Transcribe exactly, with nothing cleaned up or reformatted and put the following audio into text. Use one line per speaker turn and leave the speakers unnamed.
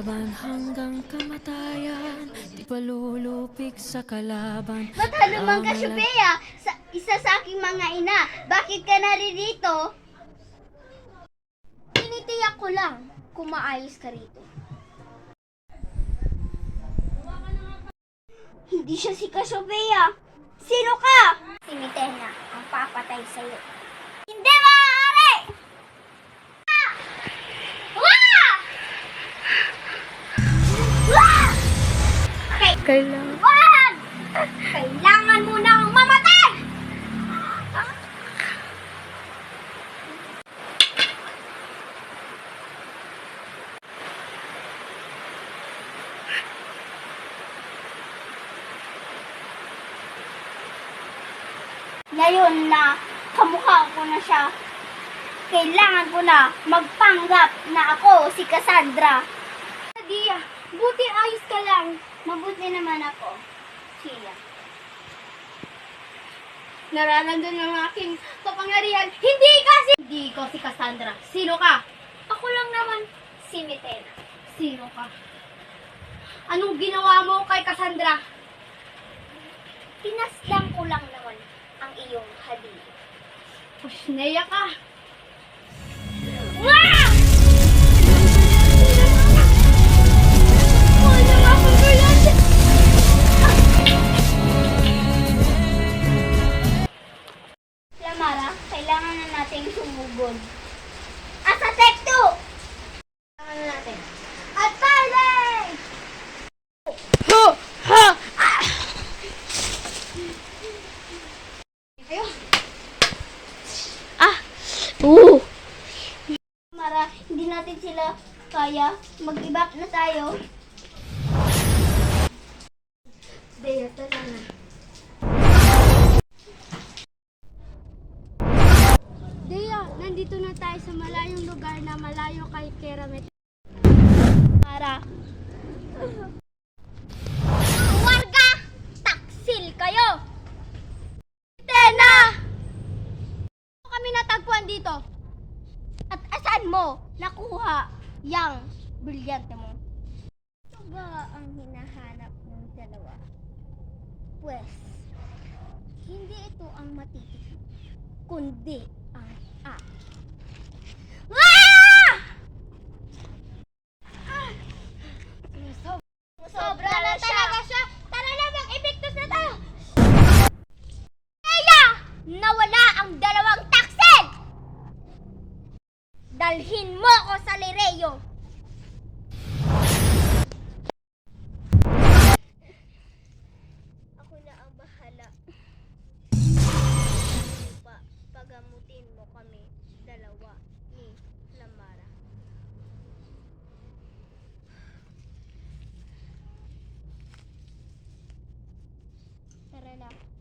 laban hanggang kamatayan, di palulupik sa kalaban.
Ba't naman ka, Shubea? Sa, isa sa aking mga ina. Bakit ka naririto? Tinitiyak ko lang kung maayos ka rito. Hindi siya si Kasobea. Sino ka? Si Mitena, ang papatay sa'yo. Hindi maaari! Ah! Wah! Wah! Okay.
Kailangan.
Wag! Kailangan mo nang mamatay! Ngayon na kamukha ko na siya, kailangan ko na magpanggap na ako si Cassandra. Dia, buti ayos ka lang. Mabuti naman ako, Sheila. Nararamdaman ng aking kapangyarihan. Hindi kasi... Hindi ko si Cassandra. Sino ka? Ako lang naman, si Mitena. Sino ka? Anong ginawa mo kay Cassandra? Pinaslang ko lang naman ang iyong hadiah. Pusneya ka! Wah! Wala nga ako ganyan! Lamara, kailangan na natin sumugod. At sa tekto! Kailangan na natin. At Parley!
Ha! Ha!
Ayun!
Ah! Oo!
Mara, hindi natin sila kaya. Mag-ibak na tayo. Dea, tara na. Dea, nandito na tayo sa malayong lugar na malayo kay Keramet. Mara. Warga! Taksil kayo! Tena! Kami natagpuan dito. At asan mo nakuha yang brilyante mo? Ito ba ang hinahanap ng dalawa? Pwes, hindi ito ang matitipid, kundi ang akin. Ah! Ah! Sobra na talaga siya. Tara na, mag-epektos na tayo. Kaya, nawala ang dalawang taksil! Dalhin mo ko sa Lireyo! Ako na ang bahala. Pa, pagamutin mo kami dalawa ni Lamara. Tara na.